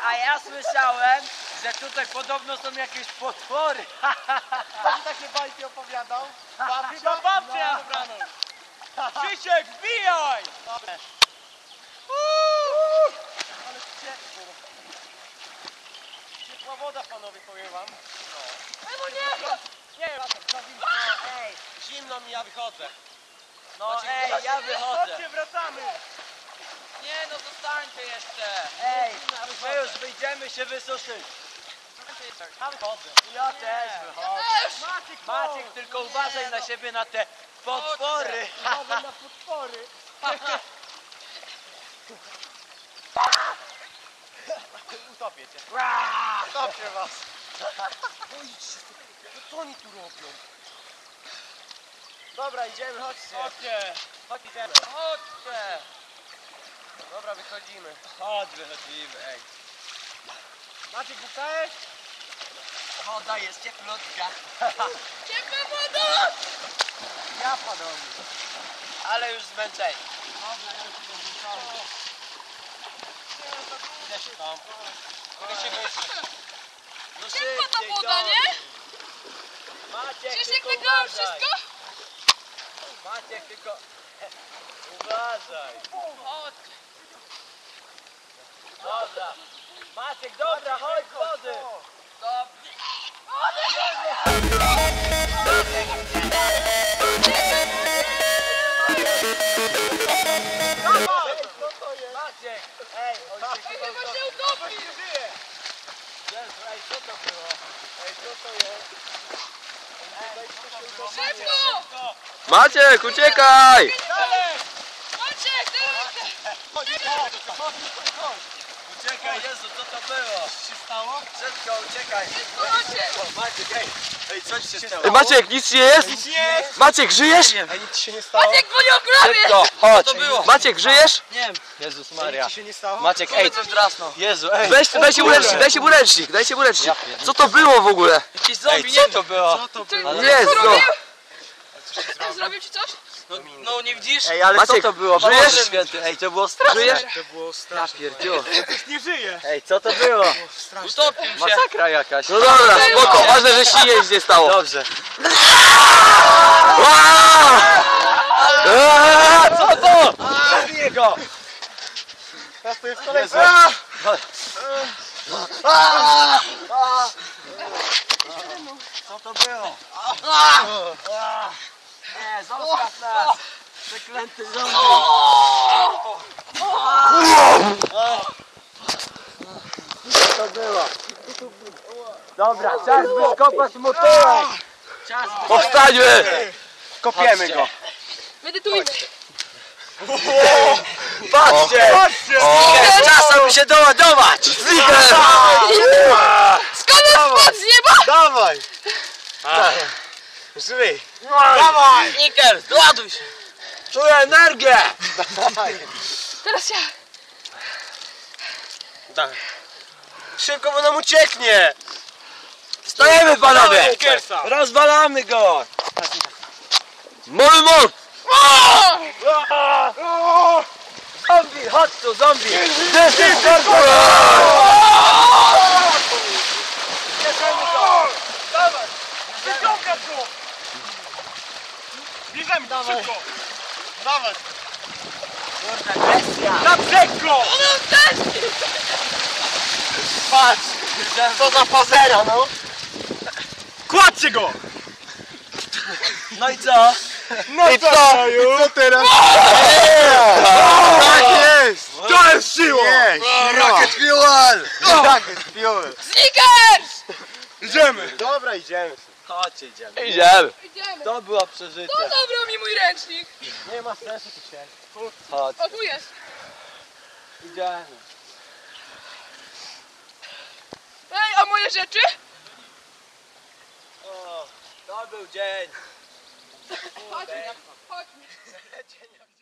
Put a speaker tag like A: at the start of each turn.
A: A ja słyszałem, że tutaj podobno są jakieś potwory.
B: Kto ci takie bajki opowiadał?
C: Chyba babcia ja wybraną. Krzysiek, wbijaj!
B: Ale ciepło. Ciepła woda, panowie, powiem wam.
C: No nie!
B: Nie, za zimno.
A: Ej,
B: Zimno mi, ja wychodzę.
A: no ej, ja wychodzę.
C: Chodźcie, wracamy!
A: Nie no, zostańcie jeszcze. Ej, my już wyjdziemy się wysuszyć.
B: Ja wychodzę.
A: Ja też wychodzę. Maciek, tylko uważaj na siebie, na te potwory.
B: Uważaj na potwory. Utopię cię. Utopię was. Co oni tu robią? Dobra, idziemy, chodźcie.
C: Chodźcie!
B: Chodź, idziemy.
A: Chodźcie.
B: Dobra, wychodzimy.
A: Chodź, wychodzimy, ej.
B: Maciek, wstałeś?
A: Woda jest cieplutka.
C: Ciepła woda!
B: Ja panowie.
A: Ale już zmęczeni.
B: Dobra, ja już idę wrzucamy. Idę się tam. Mogę się wyjść.
A: No
C: Ciepła ta
A: szybciej,
C: woda,
A: to.
C: nie?
A: Maciek,
C: Przecież jak
A: tylko
C: wygrałem
A: uważaj.
C: wszystko?
A: Maciek, tylko uważaj.
C: Chodź.
A: Dobra. Maciek, dobra, chodź wody. Dobrze. Maciek, ej, on się
C: Ej,
A: chyba
C: chyba
A: utopi.
C: się utopi!
A: Jezu, ej, co to było? Ej, co to jest?
C: Szybko!
D: Maciek, uciekaj!
C: Maciek, teraz!
A: Uciekaj, Jezu, co to było?
B: Co się stało?
A: Szybko, uciekaj.
C: Maciek!
A: Maciek, ej, ej, co ci się stało?
D: Ej, Maciek, nic nie jest? Maciek, żyjesz?
B: Ej, nic ci się nie stało?
C: Maciek, bo nie ograbię!
D: Szybko, chodź.
A: to było?
D: Maciek, żyjesz?
A: Nie wiem. Jezus Maria.
B: Nic ci się nie stało?
D: Maciek, ej,
A: Coś drasnął. Jezu, ej.
D: dajcie mu ręcznik, dajcie mu ręcznik, dajcie mu ręcznik. Co to było w ogóle?
A: Jakiś zombie, nie to było?
B: Co to
C: Ty,
B: było?
D: Jest,
C: co
D: no.
C: robił? Zrobił ci coś?
A: No nie widzisz?
D: Ej, ale Maciek, co to było?
A: Żyjesz?
D: Żyjesz?
A: Święty, ej, to było straszne.
D: Żyjesz?
B: To było
D: Ja
B: straszne.
D: pierdziu.
B: Nie żyje.
D: Ej, co to było?
A: Utopił się.
D: Masakra jakaś. No dobra, spoko, ważne, że się nic nie stało.
A: Dobrze.
D: Co to?
A: Zabiję go.
B: Teraz to jest kolejny.
A: Co to było? Nie, zostaw nas. Przeklęty zombie. Co to było? Dobra, czas by skopać mu tyłek. Czas by...
D: Powstańmy!
B: Kopiemy go.
C: Medytujmy.
A: Patrzcie! Jest czas, aby się doładować.
D: Zliker!
C: Skąd on spadł z nieba?
B: Dawaj. Żyj.
A: Dawaj! Niker, doładuj się. Czuję energię.
C: Teraz ja.
B: Dawaj. Szybko, bo nam ucieknie.
A: Stajemy, panowie.
B: Nikersa.
A: Rozwalamy go.
D: Mamy moc!
A: Zombie, chodź tu, zombie.
B: Bierzemy go. Dawaj. Wyciągać go. Bierzemy go szybko. Dawaj.
A: Kurde, agresja.
B: Na brzeg go. Patrz. Co za fazera, no. Kładźcie go.
A: No i co?
B: No i co? I co teraz? Tak jest! To jest siła!
D: Rocket Fuel!
B: Rocket fuel!
C: Snickers!
B: Idziemy! Dobra, idziemy.
A: Chodźcie, idziemy.
D: Idziemy.
C: Idziemy.
A: To było przeżycie.
C: Kto zabrał mi mój ręcznik?
B: Nie ma sensu tu się.
A: Chodź,
C: O, tu jest.
A: idziemy.
C: Ej, a moje rzeczy?
A: O, to był dzień.
C: Chodźmy. Chodźmy.
A: Dzień jak